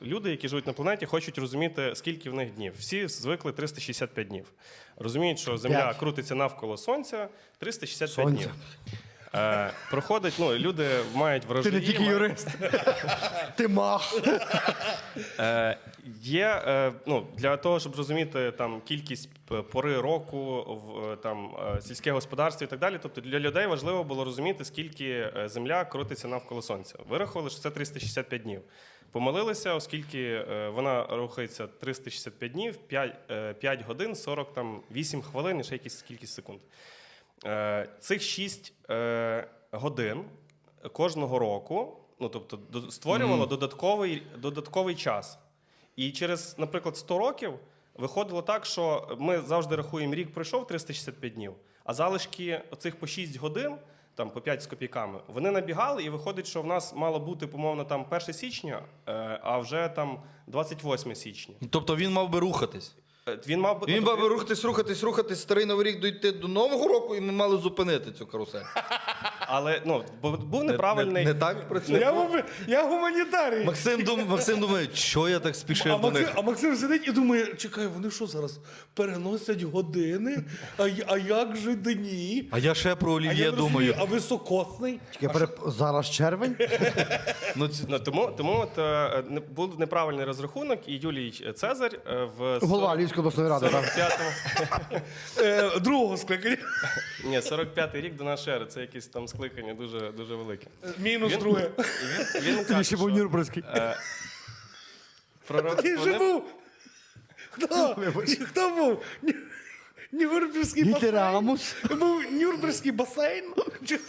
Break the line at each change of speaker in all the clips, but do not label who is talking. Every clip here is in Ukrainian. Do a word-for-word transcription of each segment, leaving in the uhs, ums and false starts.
люди, які живуть на планеті, хочуть розуміти, скільки в них днів. Всі звикли триста шістдесят п'ять днів. Розуміють, що Земля
П'ять.
крутиться навколо Сонця триста шістдесят п'ять
Сонця.
днів. Е, проходить, ну, люди мають
Ти
врожаї.
не тільки
мають-
юрист. Ти мах.
Е, є, е, ну, для того, щоб розуміти там, кількість п- пори року, в, е, там, е, сільське господарство і так далі, тобто для людей важливо було розуміти, скільки е, Земля крутиться навколо Сонця. Вирахували, що це триста шістдесят п'ять днів. Помилилися, оскільки е, вона рухається триста шістдесят п'ять днів, п'ять, е, п'ять годин, сорок вісім хвилин і ще якісь кількість секунд. Е, Цих шість е, годин кожного року, ну, тобто, до- створювало
Mm.
додатковий, додатковий час. І через, наприклад, сто років виходило так, що ми завжди рахуємо, рік пройшов триста шістдесят п'ять днів, а залишки оцих по шість годин, там по п'ять з копійками, вони набігали, і виходить, що в нас мало бути, помовно, там перше січня, е, а вже там двадцять восьме січня.
Тобто він мав би рухатись.
Е, Він мав би...
Він
тобто,
мав би рухатись, рухатись, рухатись, старий Новий рік дійти до Нового року, і ми мали зупинити цю карусель.
Але, ну, бо був
Не,
неправильний...
не, не так працює?
Я, гум- я гуманітарій.
Максим, дум, Максим думає, що я так спішив
А
до
Максим,
них?
а Максим сидить і думає, чекай, вони що зараз переносять години? А, й- а як же дні?
А я ще про
А
олів'є
я не розумію,
думаю.
а високосний?
Я переп... Зараз червень?
Ну, ці...
Ну, тому тому от, е, не- був неправильний розрахунок, і Юлій Цезарь е, в
Голова Львівської обласної ради, так.
сорок п'ятому
Е, другого скликання.
Ні, сорок п'ятий рік до нашої ери, це якесь там скликання дуже, дуже велике.
Мінус
Він-
друге.
І він, він
Тоді
каже,
ще був
що,
Нюрнберзький.
е, пророк-
Ти же
вони-
був. Хто? Хто був? Ню- Нюрнберзький басейн?
Гітерамус.
Був Нюрнберзький басейн? Чи-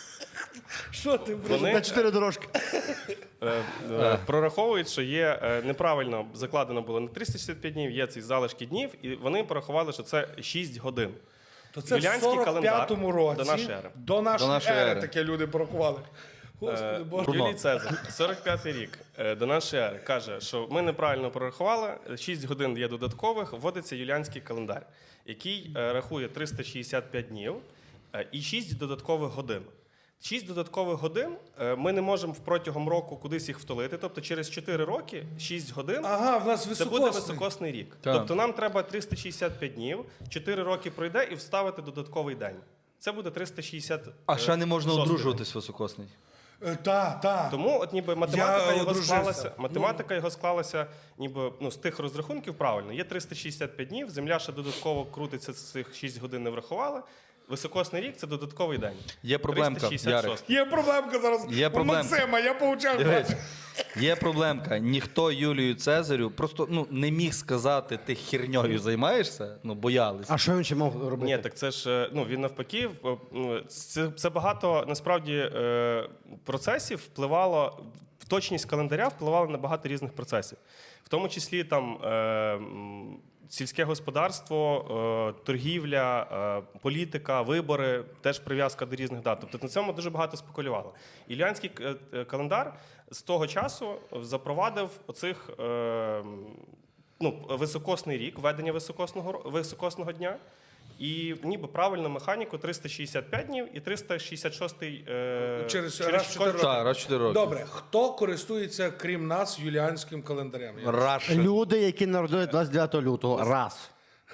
Що ти, блядь?
Вони
На чотири дорожки.
е, е, прораховують, що є е, неправильно закладено було не триста шістдесят п'ять днів, є ці залишки днів, і вони порахували, що це шість годин.
То це в
Юліанський
сорок п'ятому
календар
році
до нашої ери.
До нашої,
До нашої
ери,
ери.
таке люди порахували. Господи,
Е,
Боже.
Юлій Цезар, сорок п'ятий рік е, до нашої ери, каже, що ми неправильно прорахували, шість годин є додаткових, вводиться юліанський календар, який е, рахує триста шістдесят п'ять днів е, і шість додаткових годин. шість додаткових годин е, ми не можемо протягом року кудись їх втулити, тобто через чотири роки шість годин
Ага, в нас
це буде
високосний.
високосний рік.
Так.
Тобто нам треба триста шістдесят п'ять днів, чотири роки пройде і вставити додатковий день. Це буде триста шістдесят.
А ще не можна
шостий
одружуватись високосний.
Е, Та, та.
Тому от ніби математика
Я
його
одружився.
склалася, математика його склалася ніби ну, з тих розрахунків правильно. Є триста шістдесят п'ять днів, Земля ще додатково крутиться, з цих шість годин не врахували. Високосний рік – це додатковий день.
Є проблемка,
триста шістдесят шість.
Є проблемка зараз.
Є
У
проблемка.
Максима, я получав.
Дивись, є проблемка. Ніхто Юлію Цезарю просто ну, не міг сказати, ти херньою займаєшся, ну боялися.
А що він ще мав робити?
Ні, так це ж е, ну він навпаки. в- ну, Це, це багато насправді е, процесів впливало. В точність календаря впливало на багато різних процесів, в тому числі там е, м, сільське господарство, е, торгівля, е, політика, вибори, теж прив'язка до різних дат. Тобто на цьому дуже багато спекулювало. Іліанський е, е, календар з того часу запровадив оцих е, ну, високосний рік, введення високосного ро- високосного дня. І ніби правильно механіку триста шістдесят п'ять днів і триста шістдесят шість е,
Через раз в чотири роки.
Так, раз в чотири роки.
Добре, хто користується, крім нас, юліанським календарем? Я-
Раша.
Люди, які народились двадцять дев'ятого лютого. Раз.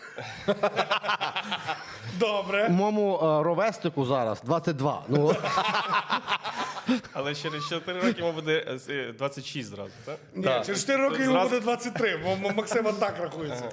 Добре.
Моєму е, ровеснику зараз двадцять два. Ну,
Але через чотири роки йому буде е, двадцять шість зразу, так?
Ні,
Так.
через чотири роки йому
Зразу-
буде двадцять три, бо Максима так рахується.